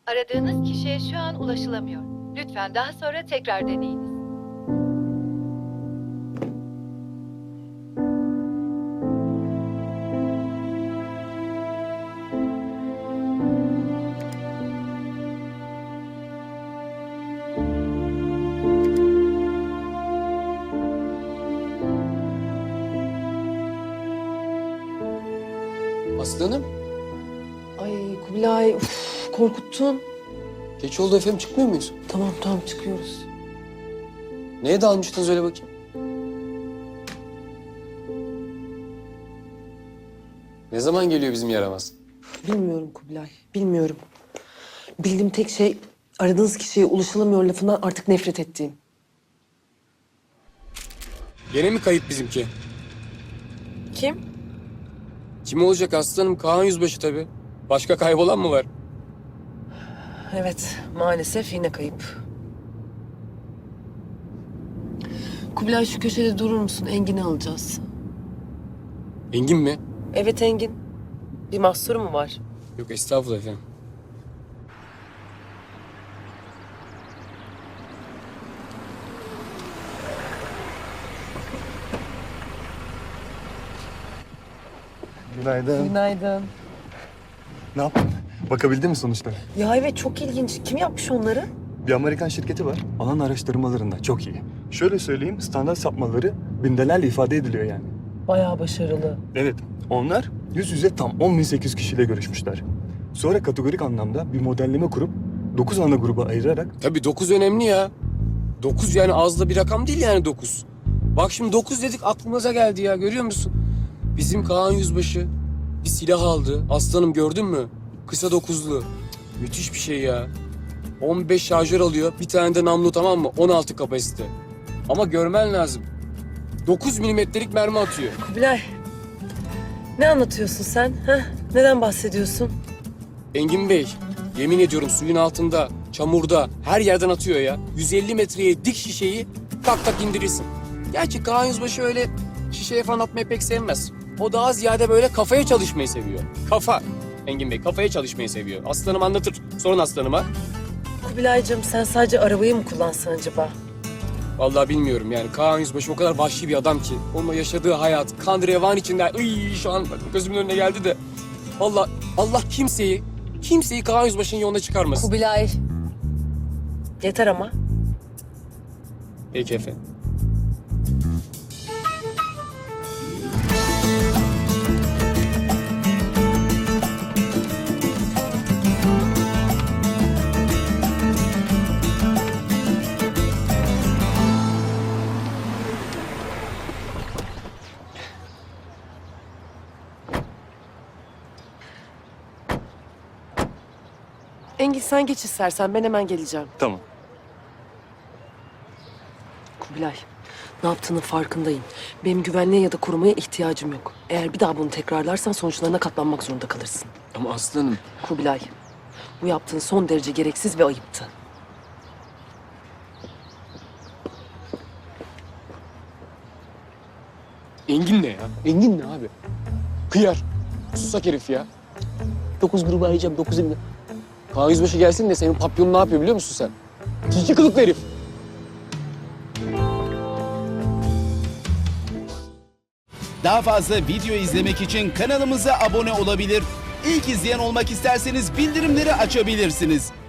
Aradığınız kişiye şu an ulaşılamıyor. Lütfen daha sonra tekrar deneyiniz. Aslanım, Ay Kubilay, korkuttun. geç oldu efendim, çıkmıyor muyuz? Tamam çıkıyoruz. Neye dalmıştınız öyle bakayım? Ne zaman geliyor bizim yaramaz? Bilmiyorum Kubilay, bilmiyorum. Bildiğim tek şey aradığınız kişiye ulaşılamıyor lafından artık nefret ettiğim. Gene mi kayıp bizimki? Kim? Kim olacak aslanım? Kaan Yüzbaşı tabii. Başka kaybolan mı var? Evet, maalesef yine kayıp. Kubilay şu köşede durur musun? Engin'i alacağız. Engin mi? Evet Engin. Bir mahsuru mu var? Yok estağfurullah efendim. Günaydın. Günaydın. Ne yaptın? Bakabildin mi sonuçlara? Ya evet çok ilginç. Kim yapmış onları? Bir Amerikan şirketi var. Alan araştırmalarında çok iyi. Şöyle söyleyeyim, standart sapmaları bindelerle ifade ediliyor yani. Bayağı başarılı. Evet, onlar yüz yüze tam 10.800 kişiyle görüşmüşler. Sonra kategorik anlamda bir modelleme kurup 9 ana gruba ayırarak Tabii 9 önemli ya. 9 yani az da bir rakam değil yani 9. Bak şimdi 9 dedik aklımıza geldi ya, görüyor musun? Bizim Kaan Yüzbaşı bir silah aldı. Aslanım gördün mü? Kısa 9'lu. Müthiş bir şey ya. 15 şarjör alıyor. Bir tane de namlu, tamam mı? 16 kapasite. Ama görmen lazım. 9 milimetrelik mermi atıyor. Kubilay, ne anlatıyorsun sen? Neden bahsediyorsun? Engin Bey, yemin ediyorum suyun altında, çamurda, her yerden atıyor ya. 150 metreye dik şişeyi tak tak indirirsin. Gerçi Kaan Yüzbaşı öyle şişeye falan atmayı pek sevmez. O daha ziyade böyle kafaya çalışmayı seviyor. Kafa. Engin Bey kafaya çalışmayı seviyor. Aslanım anlatır. Sorun aslanıma. Kubilaycığım sen sadece arabayı mı kullansan acaba? Vallahi bilmiyorum yani. Kaan Yüzbaşı o kadar vahşi bir adam ki. Onunla yaşadığı hayat, kan revan içinde. Şu an gözümün önüne geldi de. Vallahi Allah kimseyi Kaan Yüzbaşı'nın yoluna çıkarmasın. Kubilay. Yeter ama. Peki efendim. Engin sen geç istersen ben hemen geleceğim. tamam. Kubilay, ne yaptığının farkındayım. Benim güvenliğe ya da korumaya ihtiyacım yok. Eğer bir daha bunu tekrarlarsan sonuçlarına katlanmak zorunda kalırsın. Ama aslanım. Kubilay, bu yaptığın son derece gereksiz ve ayıptı. Engin ne ya? Engin ne abi? Hıyar. Susak herif ya. 9 grubu arayacağım, 9 elimde. Kaan Yüzbaşı gelsin de senin papyonun ne yapıyor biliyor musun sen? Tilki kılıklı herif. Daha fazla video izlemek için kanalımıza abone olabilir. İlk izleyen olmak isterseniz bildirimleri açabilirsiniz.